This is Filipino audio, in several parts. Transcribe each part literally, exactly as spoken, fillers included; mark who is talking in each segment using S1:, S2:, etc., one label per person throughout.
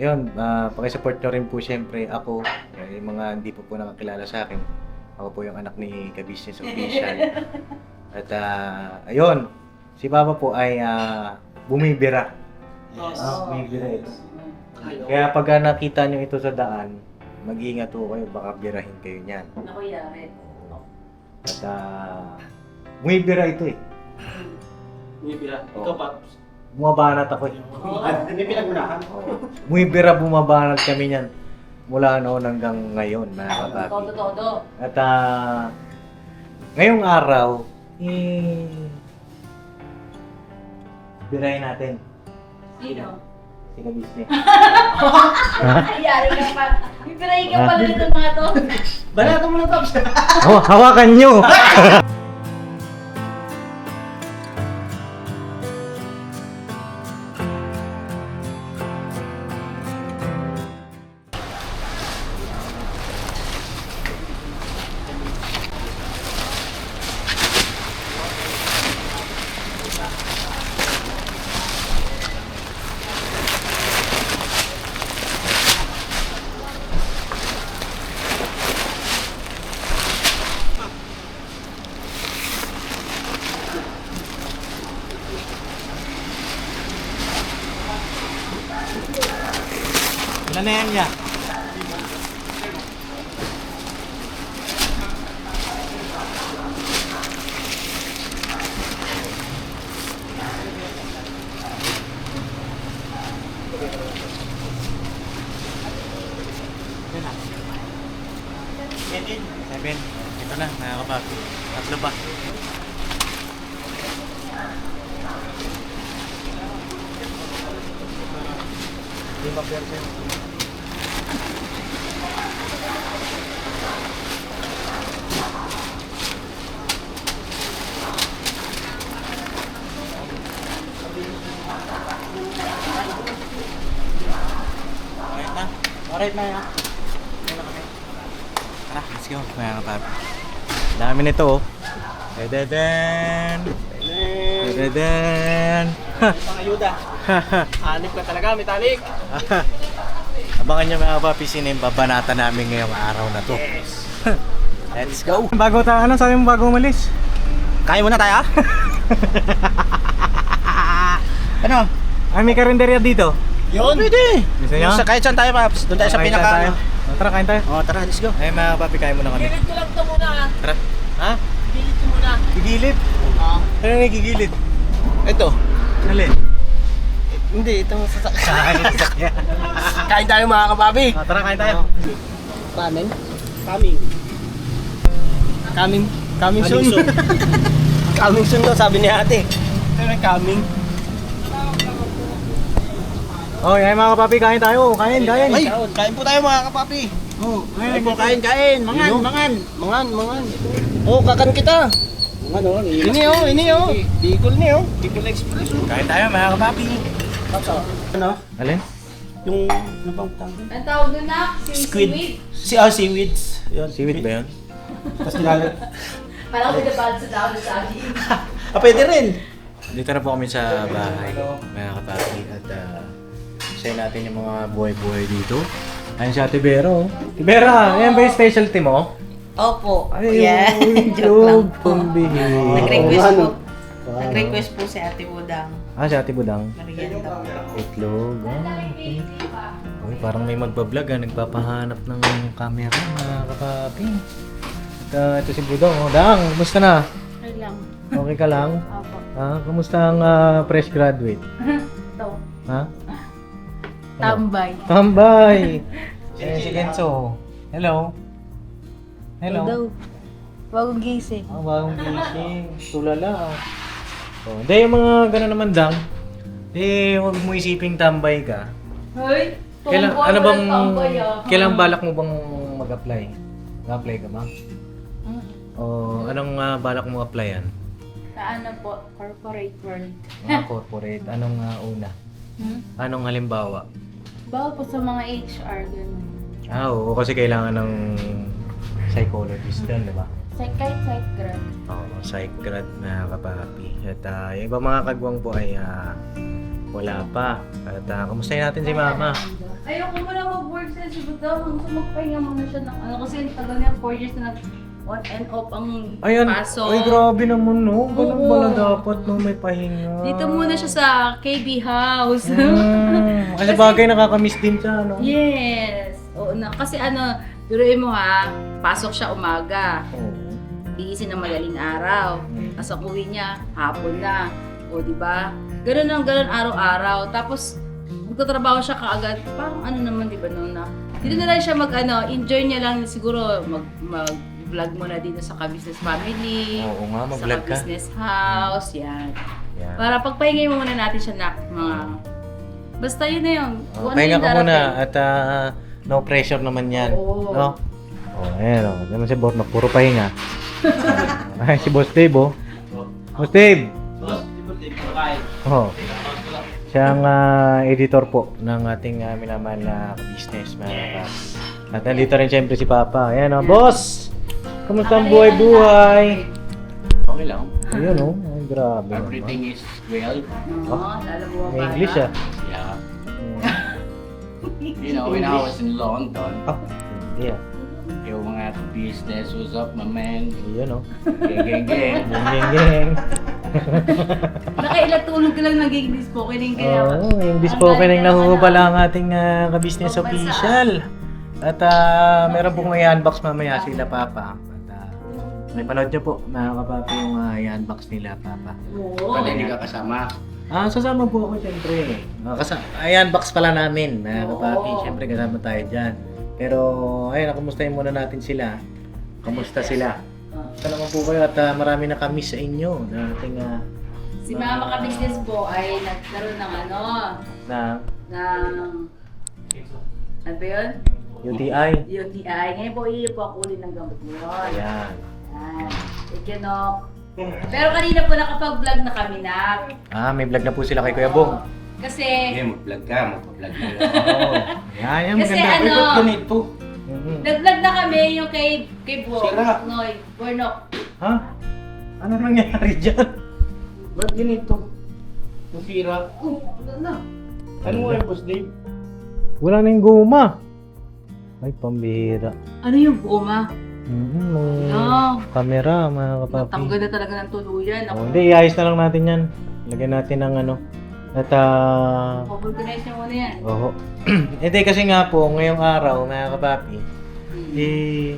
S1: ayun, uh, pakisupport nyo rin po siyempre ako, eh, yung mga hindi po po nakakilala sa akin. Ako po yung anak ni Ka-Business Official. At uh, ayun, si Papa po ay uh, bumibira.
S2: Yes.
S1: Ah, bumibira ito. Kaya pag uh, nakita nyo ito sa daan, mag-iingat po kayo, baka birahin kayo niyan.
S2: Ako yari.
S1: At uh, bumibira ito eh.
S3: Bumibira.
S1: Oh.
S3: Ikaw, Paps.
S1: Bumabanat ako eh.
S3: Hindi pinagunahan.
S1: Bumibira, bumabanat kami niyan. Mula noon hanggang ngayon, mga kapapi.
S2: Todo-todo.
S1: At uh, ngayong araw, eh, birahin natin.
S2: Sino?
S1: Si Ka-Business.
S2: Ayari ka pa. Bibirahin ka pala nito mga to.
S3: Banatan mo na, Paps.
S1: Oh, hawakan nyo! Ilan na yan niya? Seven. Ito na, mga kapapi. Tatlo pa. Lima percent. Alright na. Alright na yan. Tara, let's go. Mga kapapi. Dami nito oh. Dededen. Dededen.
S3: Pangayuda. Anip ka talaga, metalik.
S1: Abangan nyo mga kapapi, sino yung babanata namin ngayong araw na to.
S3: Yes.
S1: Let's go. Bago tayo, ano sabi mo bago umalis?
S3: Kaya muna tayo, ah? Ano?
S1: Ay, may karinderya dito.
S3: Yun. Pwede.
S1: Gusto nyo?
S3: Sa kahit saan tayo, Paps. Doon tayo sa
S1: Kain
S3: pinaka...
S1: tayo. Oh, tara, kain tayo.
S3: Oh, tara, let's go.
S1: Ay mga kapapi, kain muna kami.
S2: Gilid ko lang ito muna.
S1: Tara. Ha?
S2: Gilid ko muna.
S1: Gigilid?
S3: Ah.
S1: Ano yung gigilid?
S3: Ito.
S1: Alin?
S3: Hindi, itong sasakyan.
S1: Kain, sasakyan.
S3: Kain tayo, mga kapapi.
S1: Ah, tara, kain tayo.
S3: Ramen? Coming. Coming. Coming soon. Coming soon daw, sabi ni ate. Pero coming.
S1: Oh, yan mga kapapi, kain tayo. Kain, kain.
S3: Ay, kain po tayo, mga kapapi.
S1: Oh,
S3: Kain po, kain, kain. Mangan,
S1: Ino?
S3: mangan. Mangan, mangan. Oh, kakan kita. Mangan, oh. Ini, oh, ini, oh. Bicol ni, oh. Bicol Express, oh.
S1: Kain tayo mga kapapi.
S3: Ano?
S1: Alin?
S3: Yung, ano bang tawag?
S2: Ang tawag doon na, si
S3: Squid.
S2: Squid.
S3: Si, oh, seaweeds. Yun.
S1: Seaweed ba yun?
S3: Tapos nilalag.
S2: Parang pinapalad sa tao sa akin.
S3: Ah, pwede rin.
S1: Dito na po kami sa bahay, mga kapapi. At uh, share natin yung mga buhay-buhay dito. Ayun si Ate Vera, oh. Ate Vera, yan ba yung specialty mo?
S4: Opo.
S1: Ay,
S4: Yeah.
S1: yung
S4: Joke lang po.
S1: pambihira.
S4: Nag-request po.
S1: Wow.
S4: Nag-request po si Ate Budang.
S1: Ah, si Ate Budang.
S4: Merienda po.
S1: Itlog. Ah, okay. Uy, parang may magbablog ah. Nagpapahanap ng camera, mga kapapi. At uh, ito si Budang. Oh, Dang, kumusta na?
S4: Okay lang.
S1: Okay ka lang?
S4: Opo.
S1: Ah, kumusta ang ah, fresh graduate?
S4: Ito.
S1: Ha?
S4: Tambay.
S1: Tambay! Eh, si Kenzo. Hello? Hello?
S4: Daw. Bagong gising.
S1: Ah, bagong gising. Tulala. Oh, hindi, yung mga gano'n naman dang. Eh, huwag mo isiping tambay ka.
S2: Hoy,
S1: Kailan,
S2: tumbuhan
S1: ano
S2: mo
S1: bang,
S2: ng tambay, ah.
S1: kailan balak mo bang mag-apply? Mag-apply ka ba?
S4: Hmm.
S1: O anong ah, balak mo applyan?
S4: Sa ano po? Corporate world.
S1: Mga corporate, anong ah, una?
S4: Hmm?
S1: Anong halimbawa?
S4: Bawal po sa mga H R, gano'n.
S1: Ah, oo, kasi kailangan ng psychologist din, di ba?
S4: Psych, kahit psych grad.
S1: Oo, psych grad na kapapi. At ah, yung iba mga kagwang po ay uh, Wala pa. At uh, kumustahin natin si Mama?
S2: Ayoko muna mag-work sa Sibutaw. Gusto magpahinga muna siya ng ano. Kasi tagal niya, four years na nag on and off ang
S1: Ayan,
S2: pasok.
S1: ay grabe naman no. Ganun
S2: Oo.
S1: pala dapat no, may pahinga.
S2: Dito muna siya sa K B House.
S1: Mm, kasi bagay nakakamiss din siya, no?
S2: Yes. Oo na. Kasi ano, duruin mo ha, pasok siya umaga.
S1: Oo.
S2: Iisin ng madaling araw.
S1: Mm.
S2: Tapos ang uwi niya, hapon na. O, di ba? Ganun ang ganun araw-araw. Tapos, magtatrabaho siya kaagad. Parang ano naman, di ba, no, na dito na lang siya mag, ano, enjoy niya lang siguro mag, mag vlog muna dito sa Ka-Business Family.
S1: Oo nga,
S2: Sa
S1: mag-vlog ka.
S2: Ka-Business House, yan.
S1: Yan.
S2: Para pagpahingay mo muna natin siya na mga... Basta yun na yun.
S1: Oh,
S2: Kung ano
S1: pahinga
S2: yung
S1: ka muna
S2: darating.
S1: at ah, no pressure naman yan.
S2: Oo.
S1: No? Oh, ayan o. Oh. Naman si Boss, puro pahinga. Ay, si Boss Dave oh. Boss Dave! Oh. Siya ang ah, editor po ng ating uh, minamahal na business, mga yes. At nandito rin siyempre si Papa. Ayan o, oh. Boss! Kamusta ang buhay-buhay?
S3: Okay lang.
S1: Ayun o, oh. Ay, grabe naman.
S3: Everything is well.
S2: Oo, lalo mo
S1: May English ah.
S3: Yeah.
S1: Hmm.
S3: You know, when I was in London,
S1: Ah, hindi ah.
S3: yung mga business was up, my man.
S1: Ayun o.
S3: Gang, gang, gang.
S1: Geng, geng, geng.
S2: Nakailatulog ka lang naging spokening kaya.
S1: Oo, oh, yung spoken ang nahuhubala ang ating uh, ka-business
S2: Pambansa.
S1: official. At uh, meron pong i-unbox mamaya sila Papa. At uh, may panood nyo po, mga kapapi, yung uh, i-unbox nila Papa.
S2: Oo.
S3: Pwede hindi ka kasama.
S1: Ah, sasama po ako siyempre. Uh, kasi i-unbox pala namin, mga
S2: Oo.
S1: kapapi. Siyempre kasama tayo dyan. Pero, ayun, kumustahin muna natin sila. Kamusta sila? Kamusta naman po kayo at uh, marami na kami sa inyo na ating uh,
S2: Si Mama Ka-Business po ay nagkaroon ng ano,
S1: na
S2: ng... Ano ba yun?
S1: U T I.
S2: U T I. Ngayon po, iipo ako ulit ng gamot mo yun.
S1: Ayan.
S2: Ayan. Ikinok. Pero kanina po nakapag-vlog na kami na.
S1: Ah, may vlog na po sila kay Kuya Bong.
S2: Kasi,
S3: Okay, mag-vlog ka, mag-vlog ka.
S1: Oo. Yan, yan,
S2: Kasi
S1: maganda.
S2: ano,
S3: Ay, ba't ganito?
S1: Mhm.
S2: nag-vlog na kami yung kay, kay Bo.
S3: Sira.
S2: Noy, Bornok.
S1: Ha? Ano nangyari dyan?
S3: Ba't ganito? Nasira.
S2: Oh, ano na?
S3: Ano nga yung Boss Dave?
S1: Wala na yung guma. Ay, pambira.
S2: Ano yung goma?
S1: Mm-hmm, may
S2: No.
S1: camera, mga kapapi.
S2: Natanggal na talaga ng tuluyan. Ako,
S1: Oh, hindi, iayos na lang natin yan. Lagyan natin ng ano. At, ah...
S2: organize niyo muna yan.
S1: oo. Hindi, kasi nga po, ngayong araw, mga kapapi,
S2: Hmm.
S1: eh...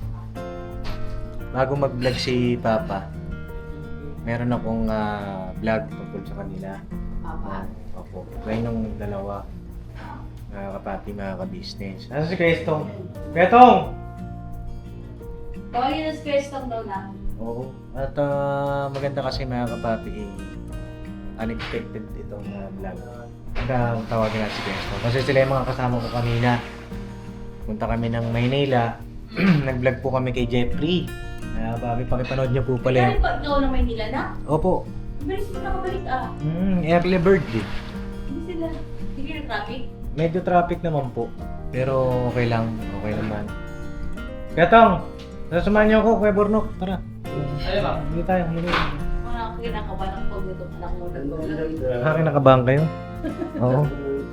S1: Bago mag-vlog si Papa, meron akong ah, vlog tungkol sa kanila.
S2: Papa.
S1: Opo. Kaya nung dalawa, mga kapati, mga ka-business. Ano si Kwestong? Kwestong!
S2: Tawagin na si Kirsten daw na.
S1: Oo. At ah, maganda kasi mga kapati, eh, unexpected itong uh, vlog. Kaya tawagin natin si Kwestong. Kasi sila yung mga kasama ko kanina. Punta kami ng Maynila. Nag-vlog po kami kay Jeffrey. Mga kapati, pakipanood niyo po pala
S2: Kaya
S1: yun.
S2: pa ikaw na Maynila na?
S1: Opo.
S2: Bilis mo nakabalik ah.
S1: Mm, early bird eh.
S2: Hindi sila. Hindi na traffic.
S1: Medyo traffic naman po. Pero okay lang. Okay naman. Kwestong! Nasamahan niyo ako, Kuya Bornok. Tara.
S3: Ano ba?
S1: Hindi tayo. Hindi.
S2: Mga kinakabahan ng pag itong anak mo nag-vlog.
S1: Ah, kinakabahan kayo? Oo.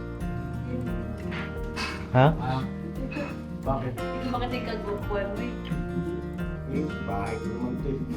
S1: Ha?
S3: Ah, bakit?
S2: Hindi bakit yung kag-grupo mo eh.
S3: Yung bahay ko naman ito eh.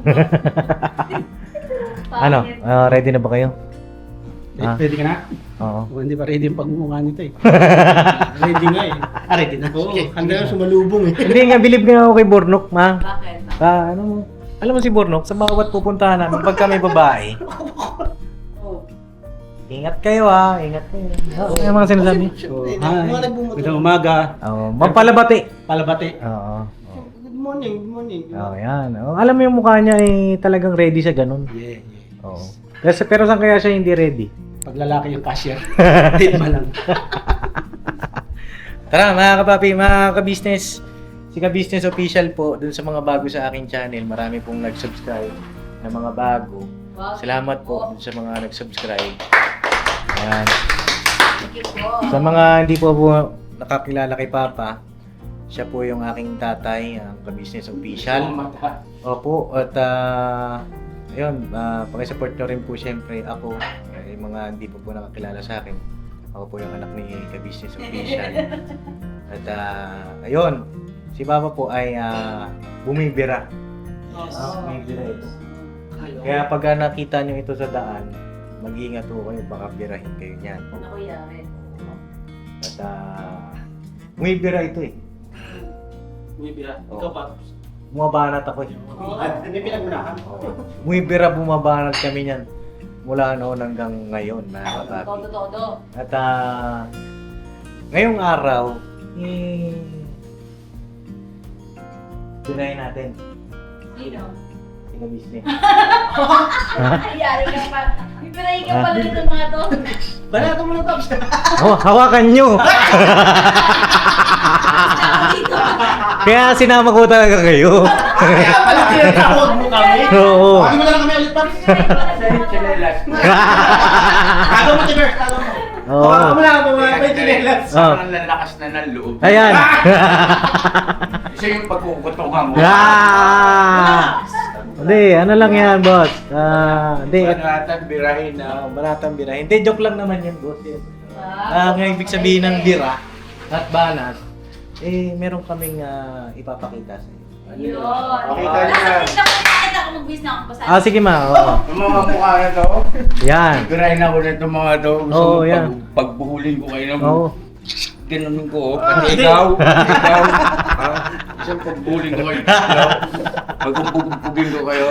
S1: Ano? Ah, ready na ba kayo?
S5: Eh,
S1: Ah.
S5: Pwede ka na?
S1: Oo.
S5: O, hindi pa ready yung pagmumukha nito eh. Ready nga eh.
S3: Ah, ready na?
S5: Oo,
S3: Sige.
S5: handa na sumalubong eh.
S1: Hindi nga, bilib nga ako kay Bornok, ma.
S2: Bakit?
S1: Ah, ano mo? Alam mo si Bornok, sa bawat pupuntahan namin, pag kami babae,
S2: Oh.
S1: ingat kayo ha, ingat kayo. Oo, yung mga sinasabi.
S5: So,
S3: Eh,
S5: hi.
S3: mga nagbumuto.
S5: Magandang umaga.
S1: Oo, mampalabati.
S5: Palabati.
S1: Oo.
S5: Good morning, good morning.
S1: Oo, yan. Oo, alam mo yung mukha niya ay talagang ready sa ganun.
S5: Yeah, yeah.
S1: Oo. Pero, pero saan kaya siya hindi ready?
S5: Pag lalaki yung cashier, date ba lang?
S1: Tara mga kapapi, mga ka-business. Si ka-business official po, dun sa mga bago sa aking channel, marami pong nag-subscribe na mga bago.
S2: Wow.
S1: Salamat po dun sa mga nag-subscribe. Ayan.
S2: Thank you po.
S1: Sa mga hindi po po nakakilala kay Papa, siya po yung aking tatay, ang ka-business official.
S3: Mata.
S1: Opo, at ah, ayun, uh, pakisupport nyo rin po syempre ako, eh, yung mga hindi po po nakakilala sa akin. Ako po yung anak ni Ka-Business Official. At uh, ayun, si Papa po ay uh, bumibira. Ah, bumibira ito. Kaya pag uh, nakita nyo ito sa daan, mag-iingat po kayo, baka birahin kayo niyan.
S2: Ako yari.
S1: At uh, bumibira ito eh.
S3: Bumibira.
S1: Oo.
S3: Ikaw pa.
S1: Bumabanat ako eh.
S5: Hindi pinagunahan.
S1: Bumibira, bumabanat kami niyan. Mula noon hanggang ngayon, mga kapapi.
S2: Todo-todo.
S1: At ah, ngayong araw, eh, tunayin natin.
S2: Sino?
S1: Si Ka-Business.
S2: Yari ka pa. Pipiray ka pala nito mga to.
S5: Bala ka muna, Pops.
S1: Oh, hawakan nyo!
S2: Dito.
S1: Kaya sinama ko talaga kayo.
S5: Kaya pala tinatawag mo kami.
S1: Oo.
S5: Bakit mo na lang kami ulit, Pops? Tago mo, Tiber. Tago mo.
S1: Oo.
S5: Hawakan mo lang, mga may chinelas.
S1: Oh.
S6: Ang lalakas na ng loob.
S1: Ayan.
S6: Isa yung pagkukutungan mo.
S1: Ah! Hindi, ano lang yan, boss. Ah, hindi.
S6: Banatan, birahin na.
S1: Ah, banatang bira. Hindi, joke lang naman yan, boss. Yan. Ah, ang ibig sabihin ng bira at banat, eh, meron kaming ah, ipapakita sa iyo.
S2: Yun.
S6: Okay, tayo na.
S2: Nakita ko, nakita ko mag-business na ako. Basta.
S1: Ah, sige ma, oo.
S6: Yung mga mukha na to,
S1: Yan.
S6: birahin ako na itong mga to. Gusto
S1: Oo,
S6: mo
S1: yan.
S6: pag, pagbuhulin ko kayo ng
S1: Oo.
S6: ganonin ko. oh. Pati ikaw, pati ikaw. Ah, Isang pagbuhulin ko kayo. Pagpupugin ko kayo.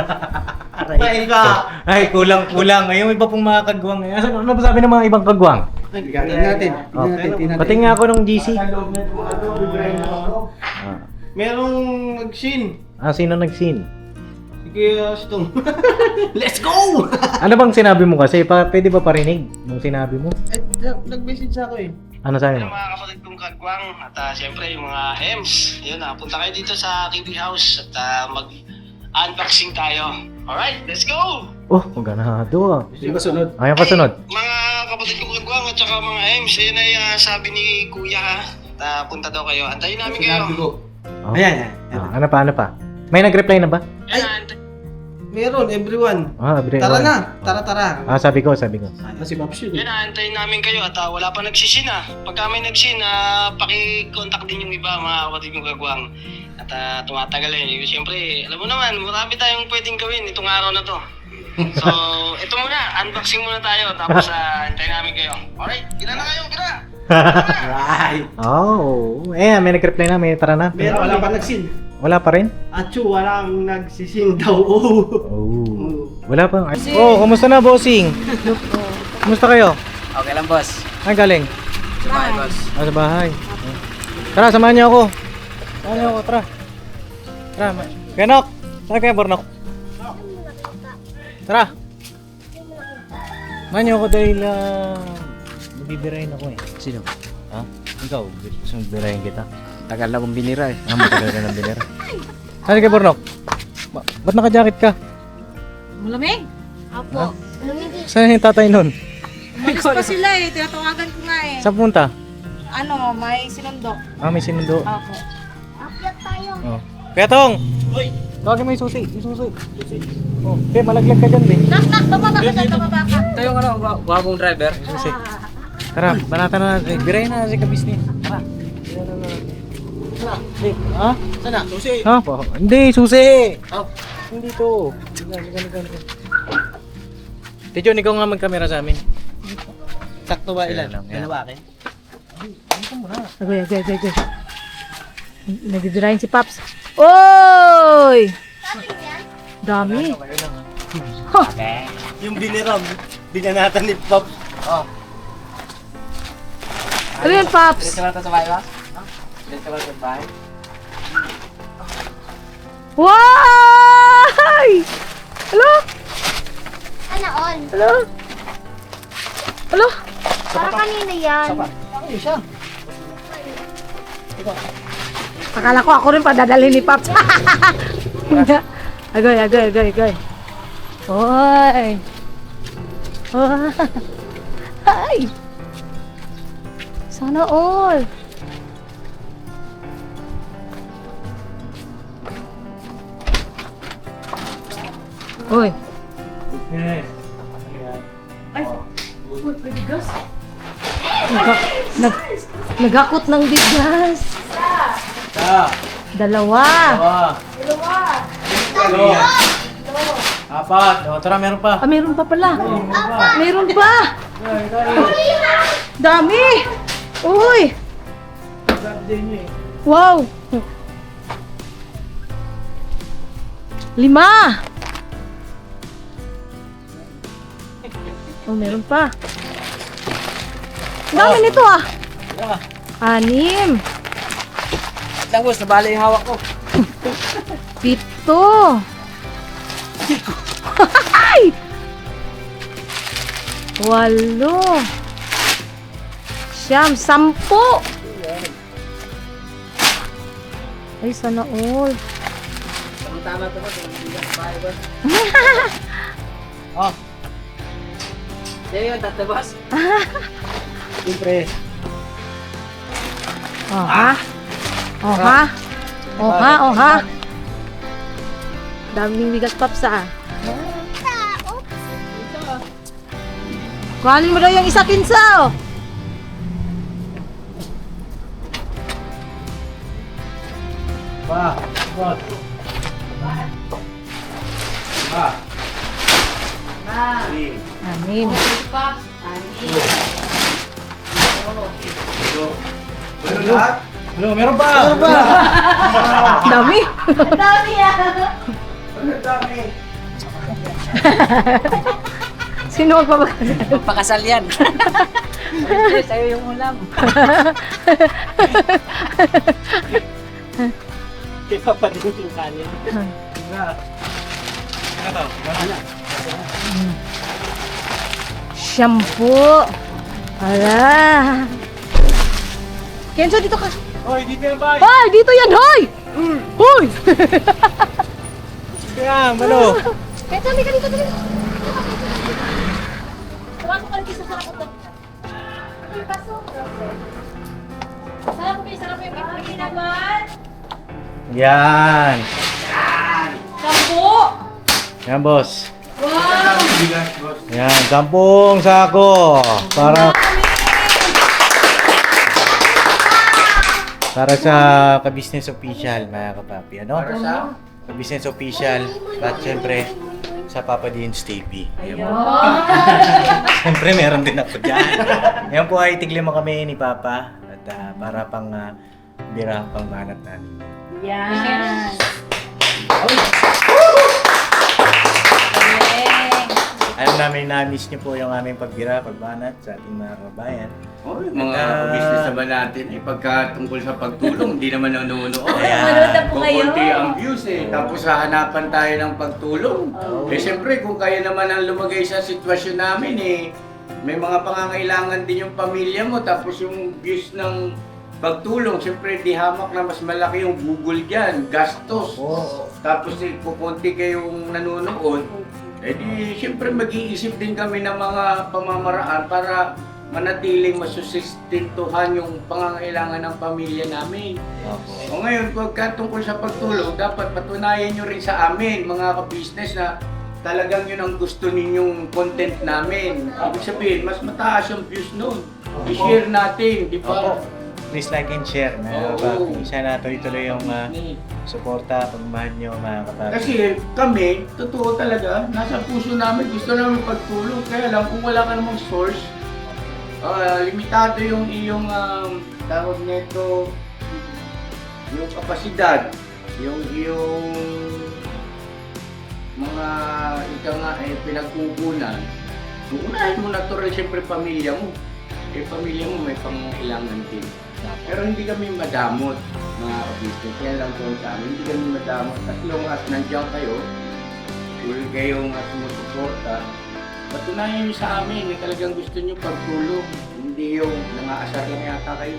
S5: Tayo ka.
S1: Ay, kulang-kulang. Ay, yung iba pong mga kagwang. Ay, ano ano ba sabi ng mga ibang kagwang?
S5: Tingnan natin.
S1: Oh.
S5: Tingnan natin. tingnan natin.
S1: Pati nga ako ng G C.
S6: Sa loob na itong mga to, birahin ako.
S1: Ah,
S3: Merong nag-shin.
S1: ah sino nag-scene?
S3: Sige, Stong. Let's go!
S1: Ano bang sinabi mo kasi? Pa, pwede ba parinig nung sinabi mo?
S3: Eh, nag-message ako eh.
S1: Ano sabi
S3: Ano
S1: mo?
S3: mga kapatid kong kagwang at uh, siyempre yung mga Ems. Yun na, punta kayo dito sa K B House at uh, mag-unboxing tayo. Alright, let's go!
S1: Oh, ganado ah.
S5: Yung kasunod.
S1: Ayan kasunod.
S3: Ay, mga kapatid kong kagwang at saka mga Ems, yun ay uh, sabi ni Kuya ha. At uh, punta daw kayo. Antayin namin kayo.
S1: Oh.
S5: Ayan, ayan.
S1: Ah, ano pa, ano pa? May nag-reply na ba?
S3: Ay, meron, everyone.
S1: Ah, abre.
S3: Tara na, tara tara.
S1: Ah, sabi ko, sabi ko.
S5: Ah, si Pops yun.
S3: Yan, aantayin namin kayo at uh, wala pa nagsisin ah. Pagka may nagsin, uh, paki-contact din yung iba mga kapatid kong kagwang. At uh, tumatagal eh. Siyempre, alam mo naman, marami tayong pwedeng gawin itong araw na to. So, ito muna, unboxing muna tayo. Tapos, uh, antayin namin kayo. Alright, gila na kayo, gila!
S5: Right.
S1: Oh, eh, may nag-reply na, may tara na.
S5: Meron, wala pa nagsin.
S1: Wala pa rin?
S5: Achu, walang nagsising daw. Oh.
S1: Oh. Wala pa. Oh, kumusta na, bossing? Kumusta kayo?
S7: Okay lang, boss.
S1: Ay, galing.
S7: Sabay, boss.
S1: Ah, sa bahay. Tara, samahan niyo ako. Samahan niyo ako, tara. Tara, ma- Kenok! Saan kayo, Bornok? Tara! Samahan niyo ako dahil uh, magbibirahin ako eh.
S7: Sino?
S1: Ha? Ikaw, gusto mong birahin kita?
S7: Tagal na kong binira eh.
S1: Ah, matagal ka ng binira. Saan kayo, Bornok? Ba- ba't naka-jacket ka?
S8: Malamig?
S1: Ha? Saan yung tatay nun?
S8: Umalis pa sila eh. Tinatawagan ko nga eh.
S1: Saan punta?
S8: Ano, may sinundo.
S1: Ah, may sinundo.
S8: Ako.
S1: Oh. Kuya Tong! Hoy! Tawagin mo yung susi. Yung susi. Oh, okay, malaglag ka dyan, eh.
S8: Nak, nak, bababa ka dyan, bababa ka.
S7: Tayo nga na, wabong driver.
S1: Susi. Tara, banatan na natin. Eh, birahin na si Ka-Business. Tara. Birahin na natin. Tara. Eh, ha?
S5: Sana, susi.
S1: Ha? Pa- Hindi, susi!
S5: Oh.
S1: Hindi to. Sige, sige, sige, sige. Tijon, ikaw nga mag-camera sa amin.
S5: Sakto ba
S1: Ilan
S5: ilan?
S1: lang, yan.
S5: Dalawa akin.
S8: Agoy, agoy, agoy, agoy. Nagdidirahin si Paps. Oy! Dami.
S5: Yung biniram, binanatan ni Pops.
S8: Ano yan, Paps?
S7: Diretso ba ito sa bahay, boss? Diretso ba ito sa bahay?
S8: Wow! Hello?
S9: Ano all?
S8: Hello? Hello?
S9: Para kanina yan.
S8: Akala ko ako rin padadalhin ni Paps. Agoy, agoy, agoy, agoy. Oy! Oh. Ay! Sana all! Uy.
S1: Yes.
S2: Ay, uy, pwede gas.
S8: Nag, nag, nagakot ng bigas.
S1: Ta.
S8: Dalawa.
S1: Dalawa. Dalawa. Apat. O, tara, meron pa.
S8: Ah, meron pa pala. Meron pa. Dami. Uy. Wow. Lima. Oh, meron pa. Ang dami nito ah. Anim.
S7: Lang boss, nabali yung hawak ko.
S8: Pito. Ay! Walo. Siyam. Sampo. Ay, sana all.
S7: Tama to boss, hindi ka bahay boss.
S1: Oh,
S7: Sa'yo yun, tatlo boss.
S1: siyempre.
S8: Oh, ha? Oh, ha? Oh, ha? Oh, ha? Daming bigas, Paps, ah. Kuhanin mo daw yung isa kinsa, oh.
S1: Pa. Pa. Pa.
S8: Anim.
S2: Pops, ani.
S1: Meron lahat? Hello, meron pa. Meron pa.
S8: Dami.
S2: Dami ah.
S8: Sino magpapag...
S7: Magpakasal yan. Sa'yo yung ulam.
S5: Kaya papadin yung kanin.
S8: Shampoo. Ala. Kenzo, dito ka.
S1: Hoy, dito yan ba?
S8: Hoy, dito yan, hoy! Hoy!
S1: Dito yan, malo.
S8: Kenzo, halika dito, dito. Tumasok ka dito sa sarap ito. Sarap kayo, sarap yung ipagi naman.
S1: Yan.
S2: Sampo.
S1: Yan, boss.
S2: Wow.
S1: Yan, sampung sako. Para para sa ka-business official, mga kapapi. Ano? Para sa ka-business official. At syempre, sa Papa Dean's T V. Ayan po. Siyempre, meron din ako dyan. Ayan po ay tiglima kami ni Papa. At ah, para pang uh, bira, pang banat namin.
S2: Yan.
S1: Alam namin na-miss niyo po yung aming pagbira, pagbanat sa ating mga kabayan.
S6: Oh, yung mga
S1: Ah.
S6: business naman natin, eh, pagka tungkol sa pagtulong, hindi naman nanonood.
S1: Ayan.
S2: Manood na po kayo.
S6: Kukunti ang views eh. Tapos hahanapan tayo ng pagtulong. Eh siyempre, kung kayo naman ang lumagay sa sitwasyon namin eh, may mga pangangailangan din yung pamilya mo. Tapos yung views ng pagtulong, siyempre di hamak na mas malaki yung Google dyan, gastos.
S1: Oo.
S6: Tapos eh, kukunti kayong nanonood. Eh di, siyempre mag-iisip din kami ng mga pamamaraan para manatiling masusistentuhan yung pangangailangan ng pamilya namin. O ngayon, pagka tungkol sa pagtulong, dapat patunayan nyo rin sa amin, mga ka-business, na talagang yun ang gusto ninyong content namin. Ibig sabihin, mas mataas yung views nun. I-share natin, di ba?
S1: Opo. Please like and share, mga
S6: Oo.
S1: kapapi. Sana tuloy-tuloy yung uh, suporta, pagmahal nyo, mga kapapi.
S6: Kasi kami, totoo talaga, nasa puso namin, gusto namin pagtulong. Kaya lang, kung wala ka namang source, ah, limitado yung iyong um, tawag nito, yung kapasidad, yung iyong mga ika nga eh, pinagkukunan. So, unahin mo natural siyempre pamilya mo. Eh, pamilya mo may pangailangan din. Pero hindi kami madamot, mga kabisnes. Kaya lang po sa amin, hindi kami madamot. As long as nandiyan kayo, tuloy kayong uh, sumusuporta, patunayan niyo sa amin na talagang gusto niyo pagtulong. Hindi yung nangaasar lang yata kayo.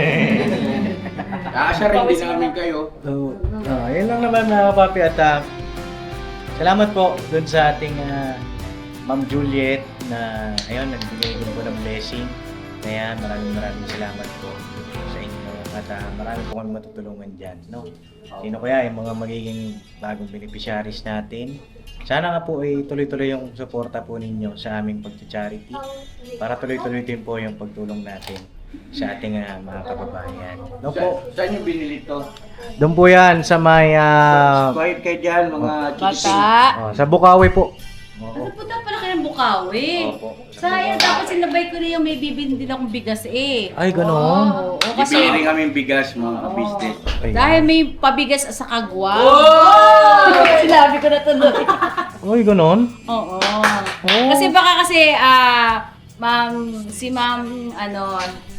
S6: Naasarin din namin kayo.
S1: So, uh, yun lang naman, mga kapapi. At uh, salamat po dun sa ating uh, Ma'am Juliet na ayun, nagbigay din po ng blessing. Kaya maraming maraming salamat po sa inyo. At ah, marami po kami matutulungan dyan, no? Sino kaya yung mga magiging bagong beneficiaries natin? Sana nga po ay tuloy-tuloy yung suporta po ninyo sa aming pag-charity para tuloy-tuloy din po yung pagtulong natin sa ating ah, mga kababayan. No
S6: Sa,
S1: po,
S6: saan yung binili to?
S1: doon po yan sa may ah,
S6: Quiet kayo dyan, mga chikiting.
S2: Bata.
S1: oh, sa Bukawi po. Oo.
S2: Pupunta pala kayo ng Bukawi.
S1: Opo.
S2: Sayang, dapat sinabay ko na yung may bibili din akong bigas eh.
S1: Ay, ganoon.
S2: Oo, oo, kasi
S6: Bibili rin kami bigas, mga ka-business.
S1: Ayun.
S2: dahil may pabigas sa kagwa. Oh! Sinabi ko na tuloy.
S1: Ay, ganoon.
S2: Oo. Kasi baka kasi, ah, ma'am, si ma'am, ano,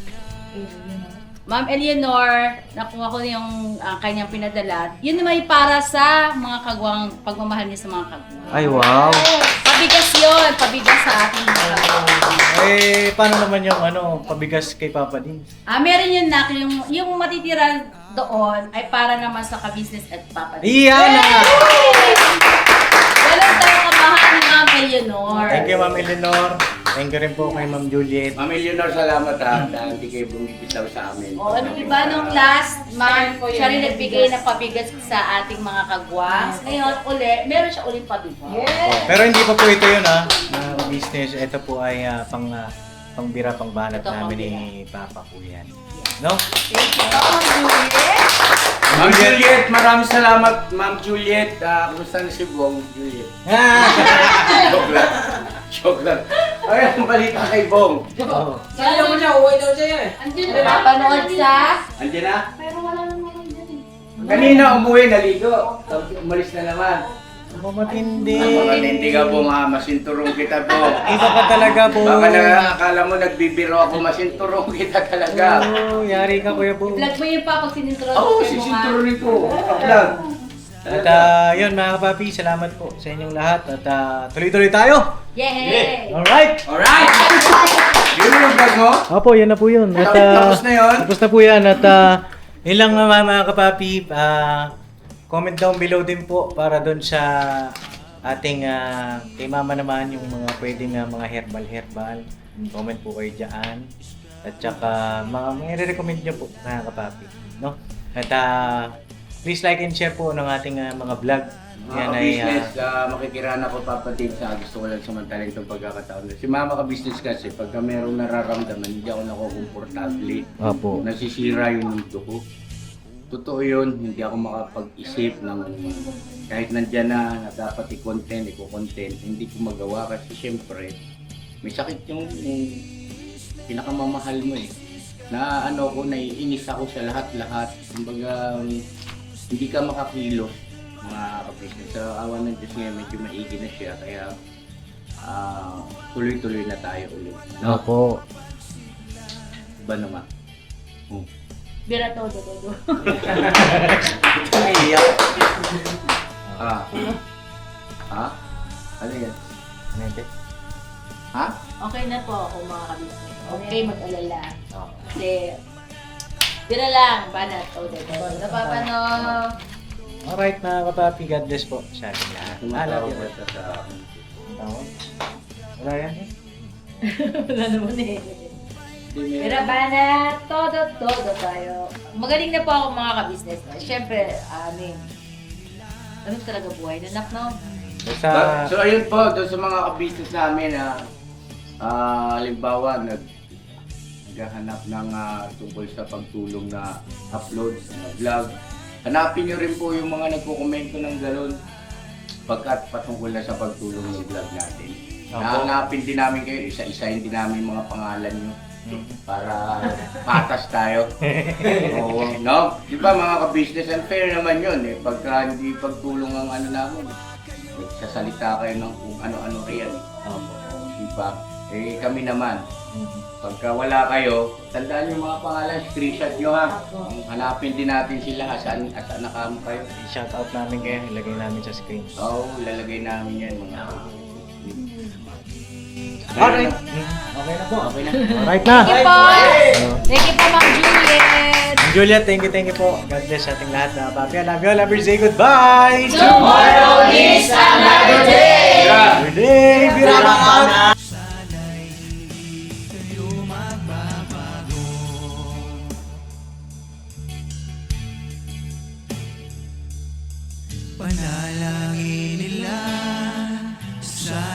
S2: Ma'am Eleanor, nakuha ko yung ah, kanyang pinadala. Yun naman ay para sa mga kagwang, pagmamahal niya sa mga kagwang.
S1: Ay, wow.
S2: Pabigas yun, pabigas sa ating mga kagwang.
S1: Eh, paano naman yung ano, pabigas kay Papa din?
S2: Ah, meron yun na, yung, yung matitira doon ay para naman sa ka-business at Papa.
S1: Iyan na!
S2: Ganun tayo kamahal ni Ma'am Eleanor.
S1: Thank you, Ma'am Eleanor. Thank you rin po kay Ma'am Juliet.
S6: Ma'am Eleanor, salamat ha, dahil hindi kayo bumibitaw sa amin.
S2: O, ano iba nung last, ma'am, siya rin nagbigay ng pabigas sa ating mga kagwang. Ngayon, uli, meron siya ulit pabigas.
S1: Oh, pero hindi pa po ito yun ha, na business. Ito po ay ah, pang ah, pangbira, pangbanat
S2: Ito,
S1: namin ni Papa po yan. No?
S2: Thank you, Ma'am Juliet.
S6: Ma'am Juliet, maraming salamat, Ma'am Juliet. Ah, kumusta na si Bong, Juliet? Joke lang. Joke lang. Ay, ang balita kay Bong.
S1: Oh.
S7: Saan naman siya? Uwi daw siya eh.
S4: Andun
S2: Napanood sa...
S6: Andiyan na?
S4: Pero wala naman dyan eh.
S6: Kanina umuwi, naligo. Tapos umalis na naman.
S1: Mamatindi.
S6: Baka hindi ka po, ma. Masinturong kita po.
S1: Iba ka talaga po.
S6: Baka na akala mo nagbibiro ako, masinturong kita talaga.
S1: Oh, yari ka kuya po.
S2: Vlog mo yun pa pag sinintro.
S6: Oo, oh, sisinturonin ko. Vlog.
S1: At ah, yun mga kapapi, salamat po sa inyong lahat. At ah, tuloy-tuloy tayo.
S2: Yay!
S1: Alright!
S6: Alright! Yun yung vlog mo?
S1: Opo, yun na po yun. At, ah,
S6: Tapos na yun?
S1: Tapos na po yan. At uh, yun lang mga, mga kapapi, ah, comment down below din po para doon sa ating ah, kay mama naman yung mga pwedeng ah, mga herbal-herbal. Comment po kayo dyan. At saka mga may recommend nyo po mga kapapi. No? At ah, please like and share po ng ating ah, mga vlog.
S6: Mga
S1: Yan ay,
S6: ka-business, uh, makikiraan ako papatid sa gusto ko lang samantalin itong pagkakataon. Si mama ka-business kasi, pagka merong nararamdaman, hindi ako nakukomportable.
S1: ah, Opo.
S6: Nasisira yung mundo ko. Totoo yun, hindi ako makapag-isip ng kahit nandyan na, na dapat i-content, i-content, hindi ko magawa kasi syempre, may sakit yung, yung pinakamamahal mo eh. Na ano ko, naiinis ako sa lahat-lahat. Kumbaga, hindi ka makakilos mga ka-business. Sa awa ng Diyos ngayon, medyo maigi na siya, kaya ah, tuloy-tuloy na tayo ulit. No?
S1: Opo.
S6: Iba naman. Hmm.
S2: Bira to, do, do, do.
S1: Iyak.
S6: Ah. Ha? Ano yan?
S1: Nete.
S6: Ha?
S2: Okay na po ako mga kabisnes. Okay, mag-alala.
S1: Oh.
S2: Kasi, bira lang, banat. O, do, do. Napapanood.
S1: Alright mga kapapi, God bless po sa ating lahat. Ah, love
S6: Tumatawag
S1: you.
S6: ka sa akin.
S1: Tawag? Wala yan eh.
S2: Wala naman eh. Pero banat, todo, todo tayo. Magaling na po ako mga kabisnes. Siyempre, amin. Ano talaga buhay na nak, no?
S1: Basta,
S6: Ba- So ayun po, doon sa mga ka-business namin na ah, halimbawa nag naghahanap ng ah, tungkol sa pagtulong na upload na vlog. Hanapin nyo rin po yung mga nagko-komento ng galon pagkat patungkol na sa pagtulong ng vlog natin.
S1: Opo.
S6: Hanapin din namin kayo, isa-isahin din namin yung mga pangalan nyo para patas tayo. Oo, no? Di ba mga ka-business, unfair naman yun eh. Pagka hindi pagtulong ang ano namin, nagsasalita kayo ng kung ano-ano riyan.
S1: Opo.
S6: Di ba? Eh kami naman, pagka wala kayo, tandaan yung mga pangalan, screenshot nyo ha. Hanapin din natin sila, saan, saan nakamo kayo.
S1: i-shout out namin kayo, ilagay namin sa screen.
S6: Oo, lalagay namin yan mga.
S1: Alright. Okay na po.
S6: Okay na.
S1: Alright na.
S2: Thank you po! Thank you po, Ma'am Juliet!
S1: Ma'am Julia, thank you, thank you po. God bless sa ating lahat mga papi. I love you, I love you. Say goodbye.
S2: Tomorrow is another day!
S1: Good day. Birama out.
S10: panalangin nila. Sana